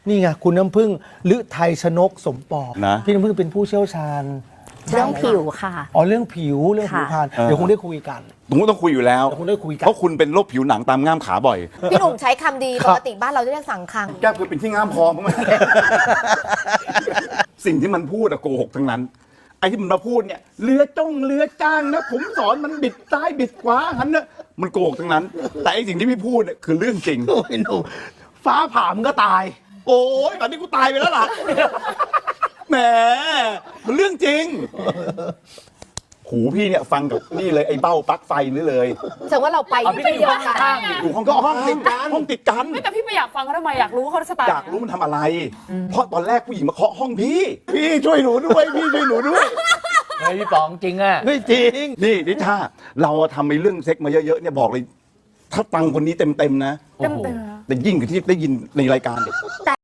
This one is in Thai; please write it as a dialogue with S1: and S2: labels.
S1: นี่ไงคุณน้ำพึ่งฤทัยชนกสมปอง
S2: นะ
S1: พี่น้ำพึ่งเป็นผู้เชี่ยวชาญ
S3: เรื่องผิวค่ะ
S1: อ๋อเรื่องผิวเรื่องผิวพรรณเดี๋ยวคงได้คุยกัน
S2: ผมก็ต้องคุยอยู่แล้ว
S1: เดี๋ยวคงได้คุยกัน
S2: เพราะคุณเป็นโรคผิวหนังตามง่ามขาบ่อย
S3: พี่หนุ่มใช้คำดีปกติบ้านเราจะเรียกสังคัง
S2: แก้วคือเป็นที่ง่ามคอมั้งไหม สิ่งที่มันพูดอะโกหกทั้งนั้น ไอ้ที่มันมาพูดเนี่ยเรือจ้างนะผมสอนมันบิดซ้ายบิดขวาหันนะมันโกหกทั้งนั้น แต่ไอ้สิ่งที่พี่พูดเนี่ยคือเรื่องจริง
S1: โอ้ยหนุ่มฟ้าผ่ามันก็ตาย
S2: โอ้ยตอนนี้กูตายไปแล้วล่ะ แหมมันเรื่องจริง หูพี่เนี่ยฟังกับนี่เลยไอ้เบ้าปลั๊กไฟนี่เลย
S3: แสดงว่าเราไป
S4: พี่ก็อยู่ห้องข้างๆอีก
S2: อยู่ห้องก็ห้องติดกันห้องติดกัน
S4: ไม่แต่พี่ไม่อยากฟังเขาทำไมอยากรู้ว่าเขาสไตล์
S2: อยากรู้มันทำอะไร เพราะตอนแรกผู้หญิงมาเคาะห้องพี่ พี่ช่วยหนูด้วย พี่ช่วยหนูด้วย
S4: เฮ้ยพี่ป๋องจริงอ่ะ
S1: ไม่จริง
S2: นี่นิชาเราทำในเรื่องเซ็กมาเยอะๆเนี่ยบอกเลย ถ้าฟังคนนี้เต็มๆนะ
S4: เต็มๆนะ
S2: แต่ยิ่งกว่าที่ได้ยินในรายการเด็ก